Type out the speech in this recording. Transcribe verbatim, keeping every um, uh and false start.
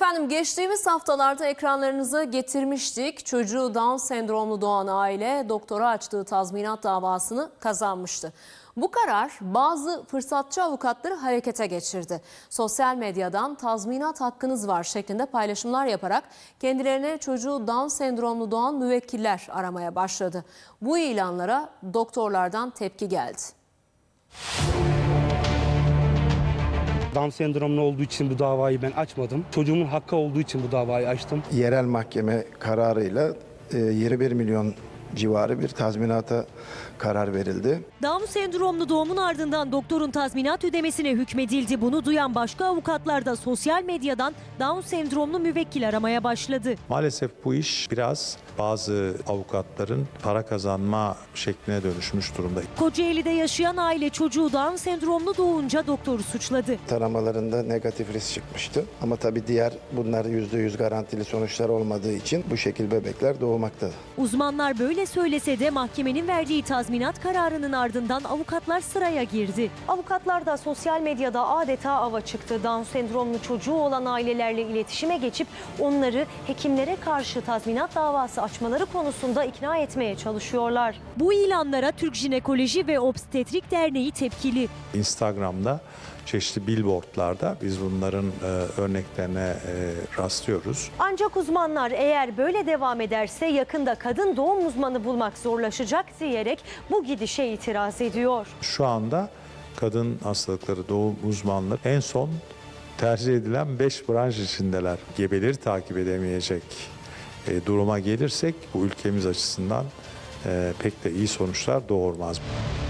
Efendim geçtiğimiz haftalarda ekranlarınıza getirmiştik. Çocuğu Down sendromlu doğan aile doktora açtığı tazminat davasını kazanmıştı. Bu karar bazı fırsatçı avukatları harekete geçirdi. Sosyal medyadan tazminat hakkınız var şeklinde paylaşımlar yaparak kendilerine çocuğu Down sendromlu doğan müvekkiller aramaya başladı. Bu ilanlara doktorlardan tepki geldi. Down sendromlu olduğu için bu davayı ben açmadım. Çocuğumun hakkı olduğu için bu davayı açtım. Yerel mahkeme kararıyla yirmi bir milyon civarı bir tazminata karar verildi. Down sendromlu doğumun ardından doktorun tazminat ödemesine hükmedildi. Bunu duyan başka avukatlar da sosyal medyadan Down sendromlu müvekkil aramaya başladı. Maalesef bu iş biraz bazı avukatların para kazanma şekline dönüşmüş durumda. Kocaeli'de yaşayan aile çocuğu Down sendromlu doğunca doktoru suçladı. Taramalarında negatif risk çıkmıştı. Ama tabii diğer bunlar yüzde yüz garantili sonuçlar olmadığı için bu şekil bebekler doğmakta. Uzmanlar böyle söylese de mahkemenin verdiği tazminat kararının ardından avukatlar sıraya girdi. Avukatlar da sosyal medyada adeta ava çıktı. Down sendromlu çocuğu olan ailelerle iletişime geçip onları hekimlere karşı tazminat davası açmaları konusunda ikna etmeye çalışıyorlar. Bu ilanlara Türk Jinekoloji ve Obstetrik Derneği tepkili. Instagram'da çeşitli billboardlarda biz bunların e, örneklerine e, rastlıyoruz. Ancak uzmanlar eğer böyle devam ederse yakında kadın doğum uzmanı bulmak zorlaşacak diyerek bu gidişe itiraz ediyor. Şu anda kadın hastalıkları doğum uzmanları en son tercih edilen beş branş içindeler. Gebeleri takip edemeyecek e, duruma gelirsek bu ülkemiz açısından e, pek de iyi sonuçlar doğurmaz.